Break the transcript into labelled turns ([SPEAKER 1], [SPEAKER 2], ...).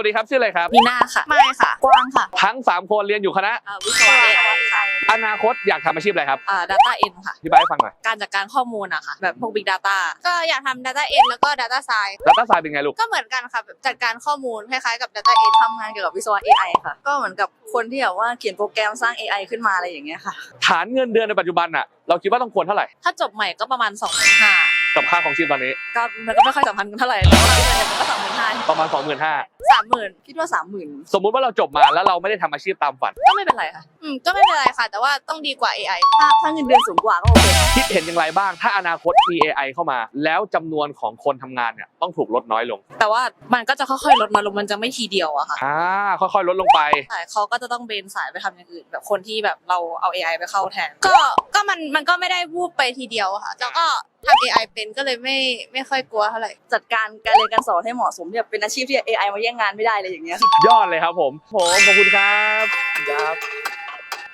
[SPEAKER 1] วัสดีครับชื่ออะไรครับ
[SPEAKER 2] มีนาค่ะไม่ค่ะกว้างค่ะ
[SPEAKER 1] ทั้ง3คนเรียนอยู่คณะ
[SPEAKER 2] วิศวะ AI ค่ะ
[SPEAKER 1] อนาคตอยากทำอาชีพอะไรครับ
[SPEAKER 2] Data N ค่ะ
[SPEAKER 1] อธิบายให้ฟังหน่อย
[SPEAKER 2] การจัดการข้อมูลอะค่ะแบบพวก Big Data ก็อยากทำ Data N แล้วก็ Data Science
[SPEAKER 1] Data Science เป็นไงลูก
[SPEAKER 2] ก็เหมือนกันค่ะแบบจัดการข้อมูลคล้ายๆกับ Data N ทำงานเกี่ยวกับวิศวะ AI ค่ะก็เหมือนกับคนที่แบบว่าเขียนโปรแกรมสร้าง AI ขึ้นมาอะไรอย่างเงี้ยค่ะ
[SPEAKER 1] ฐานเงินเดือนในปัจจุบันน่ะเราคิดว่าต้องควรเท่าไหร่
[SPEAKER 2] ถ้าจบใหม่ก็ประมาณ 25,000
[SPEAKER 1] กับค่าของชีพตอนนี้
[SPEAKER 2] ก็มันก็ไม่ค่อยสำคัญกันเท่าไหร่แต่ว่ามันก็ 25,000
[SPEAKER 1] ประมาณ 25,000
[SPEAKER 2] 30,000คิดว่า 30,000
[SPEAKER 1] สมมุติว่าเราจบมาแล้วเราไม่ได้ทำอาชีพตามฝัน
[SPEAKER 2] ก็ไม่เป็นไรค่ะก็ไม่เป็นไรค่ะแต่ว่าต้องดีกว่า AI ถ้าเงินเดือนสูงกว่าก็โอเค
[SPEAKER 1] คิดเห็นอย่างไรบ้างถ้าอนาคตมี AI เข้ามาแล้วจำนวนของคนทำงานเนี่ยต้องถูกลดน้อยลง
[SPEAKER 2] แต่ว่ามันก็จะค่อยๆลดน้อยลงมันจะไม่ทีเดียวอะค่ะ
[SPEAKER 1] ค่อยๆลดลงไป
[SPEAKER 2] ใช่เขาก็จะต้องเบนสายไปทำอย่างอื่นแบบคนที่แบบเราเอา AI ไปเข้าแทนก็มันก็ไม่ได้วูบไปทีเดียวค่ะแล้วก็ทำ AI เป็นก็เลยไม่ค่อยกลัวเท่าไหร่จัดการการเรียนการสอนให้เหมาะสมเนี่ยเป็นอาชีพที่ AI มาแย่งงานไม่ได้เลยอย่างเงี้ย
[SPEAKER 1] ยอดเลยครับผมขอบคุณครับ